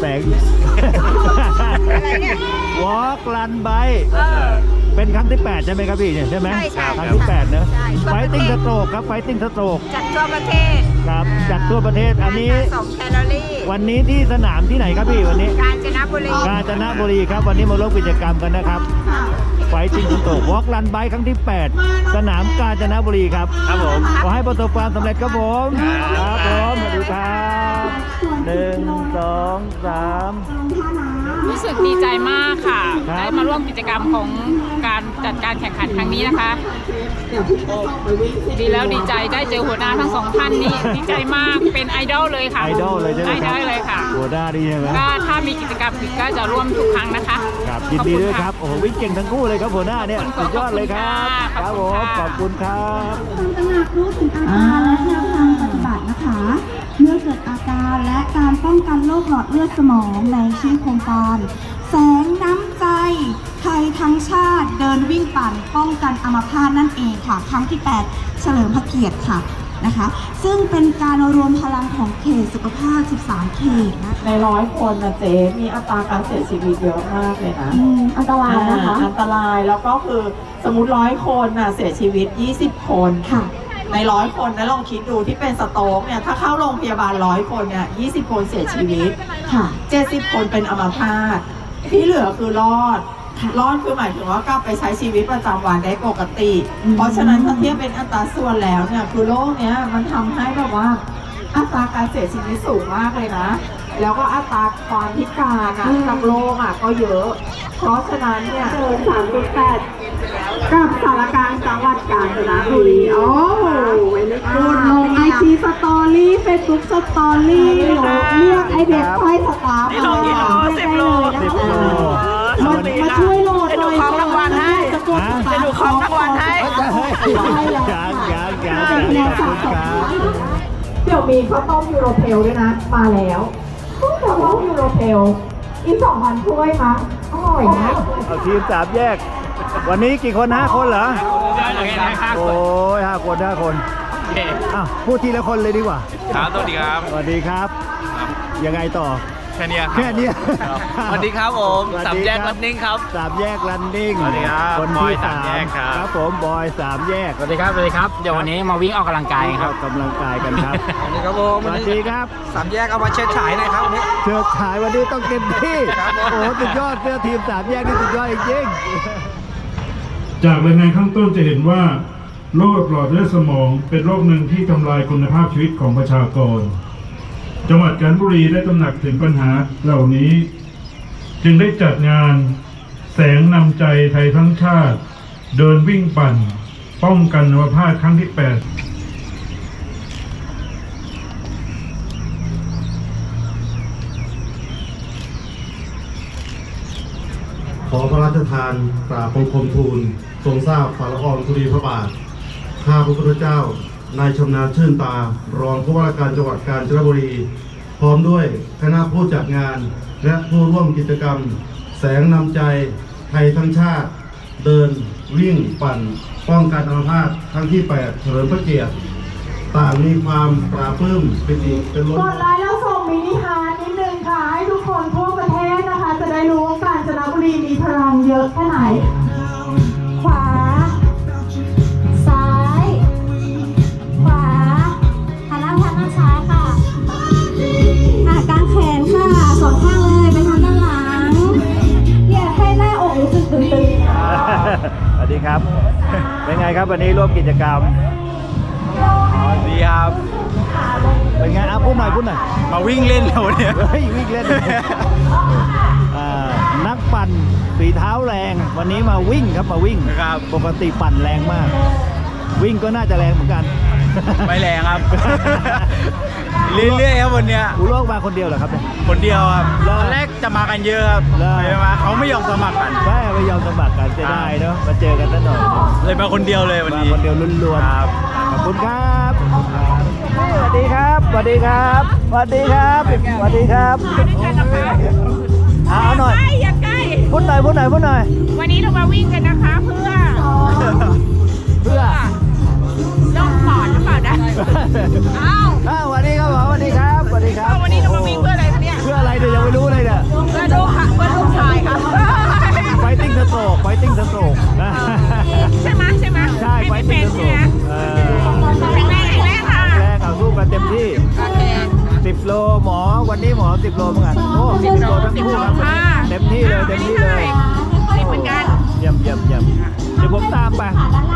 แสงอะไรเนี่ย Walk Run Bike เป็นครั้งที่ 8 ใช่ไหมครับพี่เนี่ยใช่ไหมใช่ใช่ครั้งที่ 8 เนอะใช่ Fighting Stroke ครับ Fighting Stroke จัดทั่วประเทศครับจัดทั่วประเทศอันนี้สมแคลอรี่วันนี้ที่สนามที่ไหนครับพี่วันนี้กาญจนบุรีกาญจนบุรีครับวันนี้มาร่วมกิจกรรมกันนะครับ Fighting Stroke Walk Run Bike ครั้งที่ 8 สนามกาญจนบุรีครับครับผมขอให้ประสบความสำเร็จครับผมครับผมสวัสดีครับ1 2 3 รู้สึกดีใจมากค่ะครับได้มาร่วมกิจกรรมของการจัดการแข่งขันครั้งนี้นะคะดีแล้วดีใจได้เจอหัวหน้าทั้งสองท่านนี้ดีใจมากเป็นไอดอลเลยค่ะไอดอลเลยใช่ไหมไอคดรัอบ ลเลยค่ะหัวหน้าดีใช่ไหมก็ถ้ามีกิจกรรมอีกก็จะร่วมทุกครั้งนะคะครับยินดีด้วยครับโอ้โหวิ่งเก่งทั้งคู่เลยครับหัวหน้าเนี่ยสุดยอดเลยครับครับผมขอบคุณครับตระหนักรู้ถึงอาการและแนวทางปฏิบัตินะคะ เมื่อเกิดอาการและการป้องกันโรคหลอดเลือดสมองในชื่อโครงการแสงน้ำใจไทยทั้งชาติเดินวิ่งปั่นป้องกันอัมพาตนั่นเองค่ะ ครั้งที่ 8 เฉลิมพระเกียรติค่ะนะคะ ซึ่งเป็นการรวมพลังของเขตสุขภาพ 13 เขตนะใน100 คนนะเจ๊มีอัตราการเสียชีวิตเยอะมากเลยนะอันตรายนะคะอันตรายแล้วก็คือสมมติ100 คนน่ะเสียชีวิต 20 คนค่ะใน100 คนนะลองคิดดูที่เป็นสโตรกเนี่ยถ้าเข้าโรงพยาบาล100 คนเนี่ย20 คนเสียชีวิตค่ะ 70 คนเป็นอัมพาตที่เหลือคือรอดคือหมายถึงว่ากลับไปใช้ชีวิตประจำวันได้ปกติ เพราะฉะนั้นถ้าเทียบเป็นอัตราส่วนแล้วเนี่ยคือโรคเนี้ยมันทำให้แบบว่าอัตราการเสียชีวิตสูงมากเลยนะ แล้วก็อัตราความพิการอ่ะจากโรคอ่ะก็เยอะ เพราะฉะนั้นเนี่ยเกิน3.8 กับสารกลางจังหวัดกาญจนบุรีโอ้เวลกูดลงไอจีสตอรี่เฟซบุ๊กสตอรี่หรือเรียกไอเด็กไฟสตาร์มาได้เลยนะคะมาช่วยโหลดหน่อยของรางวัลให้จะดูของรางวัลให้ยังขอบคุณครับเดี๋ยวมีข้าวต้มยูโรเพลด้วยนะ มาแล้วข้าวต้มยูโรเพลอีก 2,000 ถ้วยมั้งอร่อยนะเอาทีม3 แยก วันนี้กี่คน5 คนเหรอโอ้ย5 คน5 คนอ้าวพูดทีละคนเลยดีกว่าครับสวัสดีครับสวัสดีครับ ยังไงต่อแค่นี้ครับแค่เนี้ยสวัสดีครับผมสวัสสามดีแยกครันนิ่งครับ 3 แยกรันนิ่งสวัสดีครับคนบอที่ยสามแยกครับครับผมบอย3 แยกสวัสดีครับ สวัสดีครับ เดี๋ยววันนี้มาวิ่งออกกำลังกายครับกำลังกายกันครับสวัสดีครับผมสวัสดีครับสามแยกเอามาเชิดฉายหน่อยครับวันนี้เชือกฉายวันนี้ต้องเต็มที่ครับผมโอ้โหสุดยอดเสื้อทีม3 แยกนี่สุดยอดจริงจากรายงานข้างต้นจะเห็นว่าโรคหลอดเลือดสมองเป็นโรคหนึ่งที่ทำลายคุณภาพชีวิตของประชากร จังหวัดกาญจนบุรีได้ตระหนักถึงปัญหาเหล่านี้ จึงได้จัดงานแสงนำใจไทยทั้งชาติ เดินวิ่งปั่น ป้องกันอัมพาตครั้งที่ 8 ขอพระราชทานกราบบังคมทูลทรงทราบฝ่าละอองธุลีพระบาท ข้าพระพุทธเจ้านายชำนาญชื่นตารองผู้ว่าราชการจังหวัดกาญจนบุรี พร้อมด้วยคณะผู้จัดงานและผู้ร่วมกิจกรรม แสงนำใจไทยทั้งชาติ เดินวิ่งปั่น ป้องกันอัมพาตครั้งที่ 8 เฉลิมพระเกียรติต่างมีความปราบปลื้มปิติเป็นล้นกดไลค์แล้วส่งมินิฮาร์ทนิดนึงค่ะ ให้ทุกคนทั่วประเทศนะคะ จะได้รู้ว่ากาญจนบุรีมีพลังเยอะแค่ไหนขวา ซ้าย ขวาหันหน้าไปทางด้านซ้ายค่ะกางแขนค่ะสองข้างเลยไปทางด้านหลังอยากให้หน้าอกรู้สึกตึงๆ สวัสดีครับ เป็นไงครับวันนี้ร่วมกิจกรรมดีครับเป็นไงอ่ะพูดหน่อยมาวิ่งเล่นแล้วเนี่ยเฮ้ยวิ่งเล่น นักปั่นฝีเท้าแรงวันนี้มาวิ่งครับมาวิ่งครับปกติปั่นแรงมาก วิ่งก็น่าจะแรงเหมือนกันไม่แรงครับ เรื่อยๆครับวันเนี้ยอุโลกมาคนเดียวเหรอครับเนี่ยคนเดียวครับเหรอตอนแรกจะมากันเยอะครับเหรอไปมาเขาไม่ยอมสมัครกันแม่ไม่ยอมสมัครกันจะได้เนาะมาเจอกันซะหน่อยเลยมาคนเดียวเลยวันมานี้คนเดียวล้วนครับๆขอบคุณครับสวัสดีครับสวัสดีครับสวัสดีครับสวัสดีครับเอาหน่อยอย่าใกล้พูดหน่อยวันนี้เรามาวิ่งกันนะคะเพื่อเพื่อโรคปอดหรือเปล่านะอ้าวสวัสดีครับผมสวัสดีครับสวัสดีครับวันนี้เรามาวิ่งเพื่ออะไรคะเนี่ยเพื่ออะไรเดี๋ยวยังไม่รู้เลย 10 โลเหมือนกันโอ้10 โลทั้งคู่ครับเต็มที่เลยเต็มที่เลย 10เหมือนกันเยี่ยมเยี่ยมเยี่ยมเดี๋ยวผมตามไป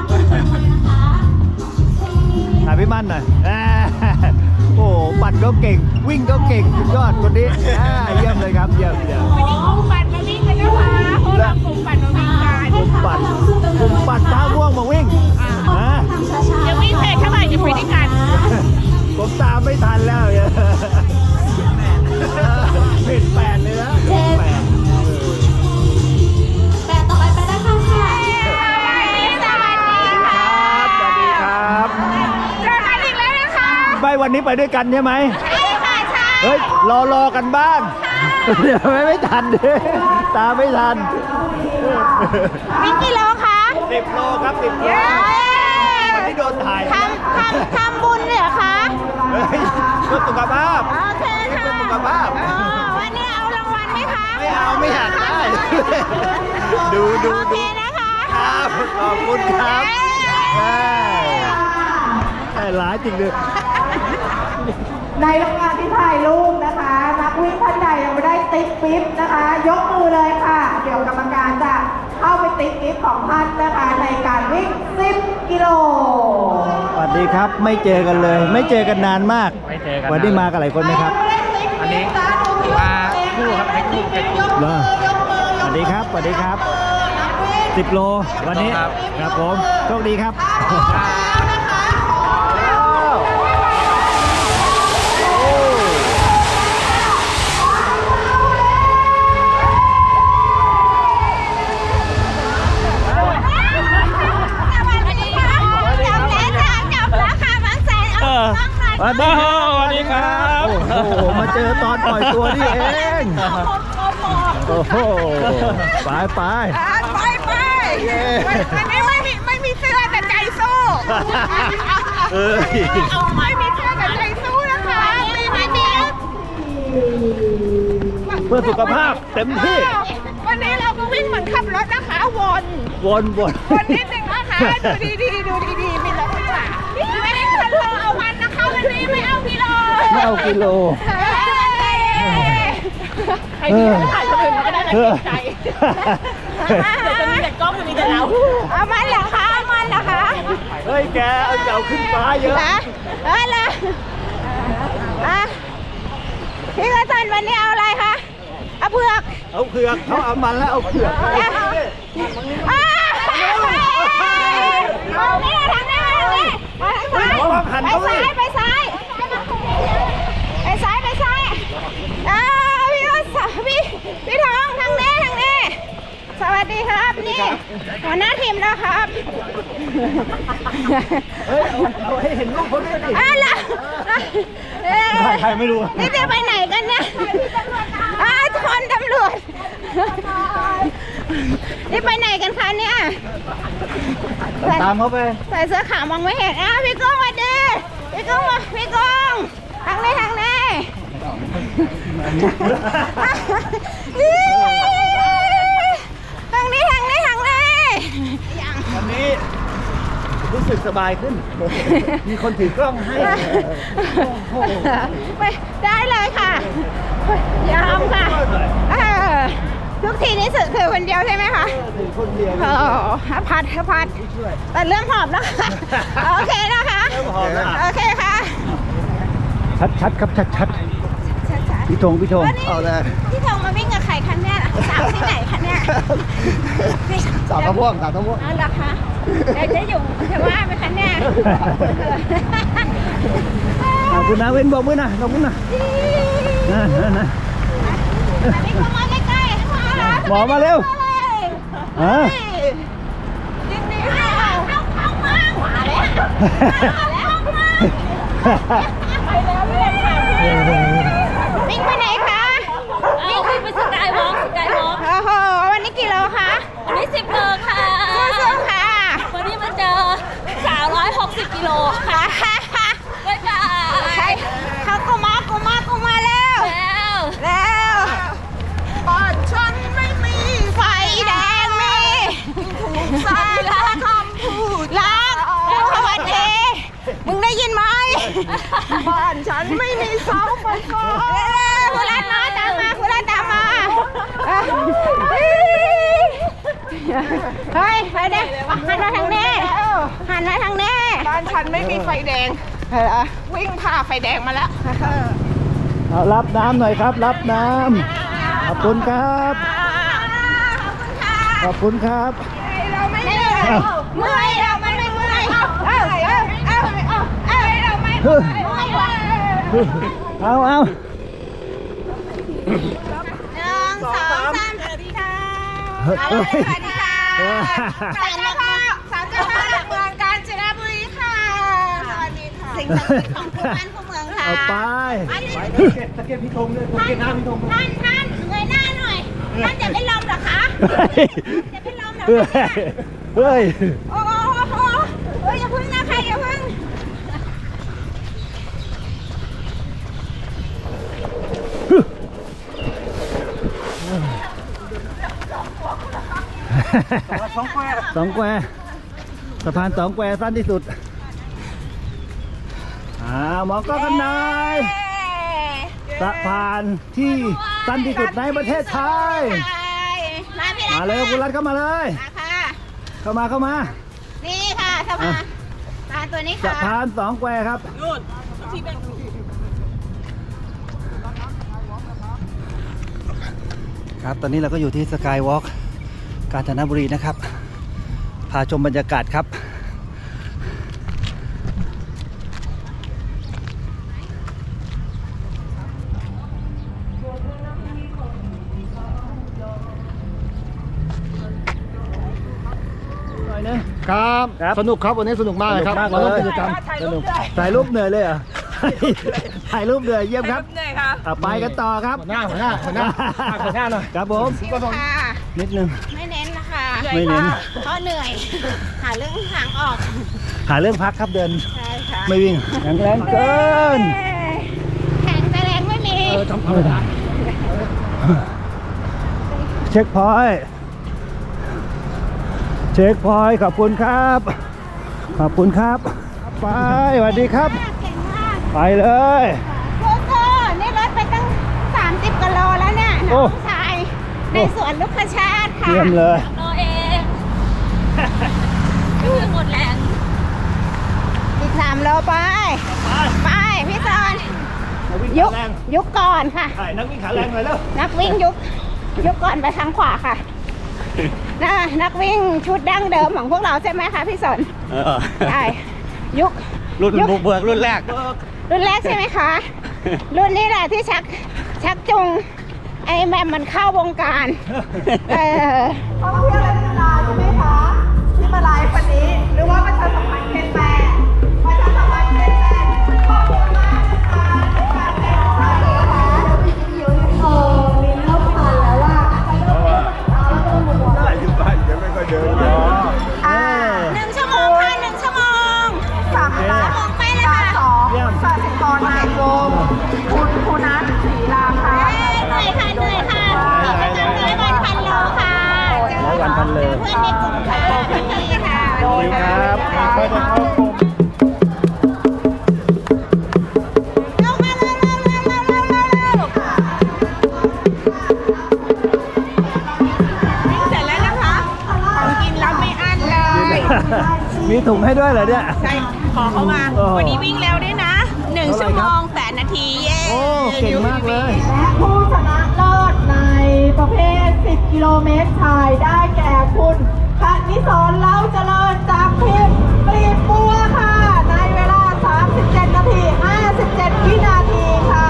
ถ่ายพี่มั่นหน่อยโอ้ปั่นก็เก่งวิ่งก็เก่งสุดยอดคนนี้เยี่ยมเลยครับเยี่ยมเยี่ยมวันนี้กลุ่มปั่นมาวิ่งกันนะคะพวกเรากลุ่มปั่นมาวิ่งกันกลุ่มปั่นท่าม่วงมาวิ่งจะวิ่งเพจเท่าไหร่จะไปด้วยกันผมตามไม่ทันแล้วผิด8เลยนะ8 แต่ต่อไปไปได้ค่ะสวัสดีครับเจอกันอีกแล้วนะคะไปวันนี้ไปด้วยกันใช่ไหมใช่ค่ะใช่เฮ้ยรอกันบ้างเดี๋ยวไม่ทันดิตามไม่ทันวิ่งกี่โลคะ 10 โลครับ10 โลวันนี้โดนถ่ายทำบุญเหรอคะเฮ้ยเพื่อสุขภาพโอเคค่ะเพื่อสุขภาพวันนี้เอารางวัลไหมคะไม่เอาไม่อยากได้ ดูโอเคนะคะครับขอบคุณครับหลายจริงเลยในโรงงานที่ถ่ายรูปนะคะ นักวิ่งท่านใดยังไม่ได้ติ๊กปิ๊บนะคะ ยกมือเลยค่ะ เดี๋ยวกรรมการจะเข้าไปติ๊กปิ๊บของท่านนะคะในการวิ่ง 10 กิโลสวัสดีครับไม่เจอกันเลย ไม่เจอกันนานมากไม่เจอกันวันนี้มากับหลายคนไหมครับอันนี้มาคู่ครับให้คู่เป็นคู่เหรอสวัสดีครับสวัสดีครับ 10 โลวันนี้ครับครับผมโชคดีครับสวัสดีครับโอ้โหมาเจอตอนปล่อยตัวนี่เองโอ้โหไปไไปปวันนี้ไม่มีเสื้อแต่ใจสู้เอ้ยไม่มีเสื้อแต่ใจสู้นะคะไม่มีเพื่อสุขภาพเต็มที่วันนี้เราก็วิ่งเหมือนขับรถนะคะวนวนนิดนึงนะคะดูดีๆมีรถข้างหลังไม่ได้คันโลเอาวันนะคะวันนี้ไม่เอากิโลไม่เอากิโลใครดีถ่ายคนอื่นก็ได้แต่เกรงใจเดี๋ยวจะมีแต่กล้องจะมีแต่เราเอามันเหรอคะเฮ้ยแกเอาขึ้นฟ้าเยอะเลยพี่กระสันวันนี้เอาอะไรคะเอาเผือกเอาเผือกเขาเอามันแล้วเอาเผือกเอานี่ทางนี้ไปซ้ายพี่ทองทางนี้สวัสดีครับนี่หัวหน้าทีมแล้วครับเฮ้ยเอาให้เห็นรูปเขาด้วยดิ ใครไม่รู้นี่จะไปไหนกันเนี่ยคนตำรวจนี่ไปไหนกันคะเนี่ยตามเขาไปใส่เสื้อขาวมองไม่เห็นพี่ก้องมาดิพี่ก้องทางนี้ทางนี้วันนี้รู้สึกสบายขึ้น มีคนถือกล้องให้ไปได้เลยค่ะยอมค่ะทุกทีนี้ถือคนเดียวใช่ไหมคะถือคนเดียวพัดแต่เรื่องหอบแล้วค่ะโอเคนะคะ โอเคค่ะชัดครับชัดพี่ธงเอาเลยพี่ธงมาวิ่งกับใครคะเนี่ยสาวที่ไหนคะเนี่ยสาวตะม่วงอ๋อเหรอคะเดี๋ยวจะอยู่จะว่าไหมคะเนี่ยขอบคุณนะเว้นบอกมือนะขอบคุณนะนะนี่เข้ามาใกล้ๆหมอมาเร็ววิ่งไปไหนคะวิ่งไปสกายวอล์กโอ้โหวันนี้กี่โลคะวันนี้10 โลค่ะสู้ๆค่ะวันนี้มาเจอ360 กิโลค่ะบ๊ายบายเขากูมาแล้วบ้านฉันไม่มีไฟแดงมีถูกใส่ละคำพูดรักสวัสดีมึงได้ยินไหมบ้านฉันไม่มีเสาไฟฟ้าพูดแล้วบ้านฉันไม่มีไฟแดงวิ่งผ่าไฟแดงมาแล้วเอารับน้ำหน่อยครับ รับน้ำขอบคุณครับ ขอบคุณครับเราไม่เหนื่อยเมื่อยเราไม่เมื่อยเราไม่เมื่อยเอา 1 2 3 สวัสดีค่ะสวัสดีค่ะสามเจ้าพ่อเมืองกาญจนบุรีค่ะสวัสดีค่ะสิ่งศักดิ์สิทธิ์ของคู่บ้านคู่เมืองค่ะเอาไปตะเกียบพี่ธงด้วยตะเกียบน้ำพี่ธงท่านเงยหน้าหน่อยท่านจะเป็นลมเหรอคะจะเป็นลมเหรอเฮ้ยโอ้โหอย่าพึ่งนะคะอย่าพึ่งสองแควสะพานสองแควสั้นที่สุดหมองก็กันนายสะพานที่สั้นที่สุดในประเทศไทย มาเลยคุณรัฐเข้ามาเลย เข้ามานี่ค่ะสะพานตัวนี้สะค่ะพานสองแควครับครับ ตอนนี้เราก็อยู่ที่สกายวอล์กกาญจนบุรีนะครับ พาชมบรรยากาศครับครับ สนุกครับวันนี้สนุกมากเลยครับเราต้องกิจกรรมสนุกถ่ายรูปเหนื่อยเลยเหรอ ถ่ายรูปเหนื่อยเยี่ยมครับไปกันต่อครับหัวหน้าหน่อยครับผมค่ะนิดนึงไม่เน้นนะคะไม่เน้นเพราะเหนื่อย หาเรื่องทางออกหาเรื่องพักครับเดินใช่ค่ะไม่วิ่งแข็งแรงเกินแข็งแต่แรงไม่มีเช็คพอยต์เช็คพอยต์ขอบคุณครับ ขอบคุณครับ ไปสวัสดีครับเก่งมากไปเลยสู้ๆนี่รถไปตั้ง30 กิโลแล้วเนี่ยโอ้น้องชาย ในสวนลูกชาติค่ะเยี่ยมเลยโลเองคือหมดแรงอีก3 โลไป พี่จอนยุคก่อนค่ะนักวิ่งขาแรงเลยแล้วนักวิ่งยุคก่อนไปทางขวาค่ะ นักวิ่งชุดดั้งเดิมของพวกเราใช่ไหมคะพี่สนใช่รุ่นบุกเบิกรุ่นแรกใช่ไหมคะ รุ่นนี้แหละที่ชักจูงไอ้แมมมันเข้าวงการท่องเที่ยวและกีฬาใช่ไหมคะที่มาไลฟ์วันนี้หรือว่าประชาสัมพันธ์เคนแปรประชาสัมพันธ์เคนแปรขอบคุณมากนะคะในการเป็นของเรานะคะมีเริ่มผ่านแล้วว่า 1 ชั่วโมงค่ะ1 ชั่วโมง 3 ล้านไปเลยค่ะ 2สาสิกรนายกรมคุณนัทศรีราคาเหนื่อยค่ะกิจกรรม100 วัน 1,000 โลค่ะ 100 วัน 1,000 โลเพื่อนในกลุ่มค่ะพี่ค่ะขอบคุณครับก็จะเข้ากรมลงมาเร็ววิ่งเสร็จแล้วนะคะของกินแล้วไม่อั้นเลยมีถุงให้ด้วยเหรอเนี่ยใช่ขอเข้ามา วันนี้วิ่งแล้วด้วยนะ 1 ชั่วโมง 8 นาที เย้โอ้ เก่งมากเลยและผู้ชนะเลิศในประเภท 10 กิโลเมตรชายได้แก่คุณคณิสรเล้าเจริญจากทีมกลีบบัวค่ะ ในเวลา 37 นาที 57 วินาทีค่ะ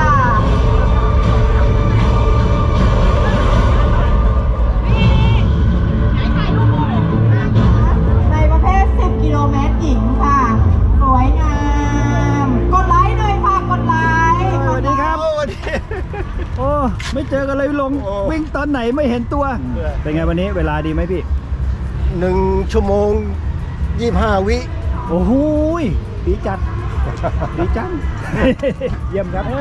ในประเภท 10 กิโลเมตรหญิงค่ะ สวยงาม กดไลค์หน่อยค่ะ กดไลค์สวัสดีครับ โอ้ ไม่เจอกันเลยลงวิ่งตอนไหนไม่เห็นตัว เป็นไงวันนี้เวลาดีไหมพี่ 1 ชั่วโมง 25 วิโอ้โหยดีจัด ดีจัง เยี่ยมครับ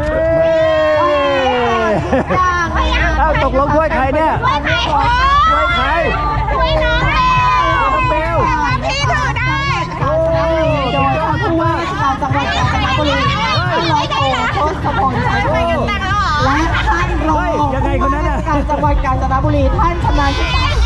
อ้าวตกลงถ้วยใครเนี่ยช่วยใครถ้วยใครช่วยน้องเร็วน้องเบลพี่ถือได้โอ้ยยอดมากจังหวัดกาญจนบุรีท่านร้อยโทโทศพลชัยโยและท่านรองเฮ้ยยังไงคนนั้นน่ะการจังหวัดกาญจนบุรีท่านชำนาญชิตา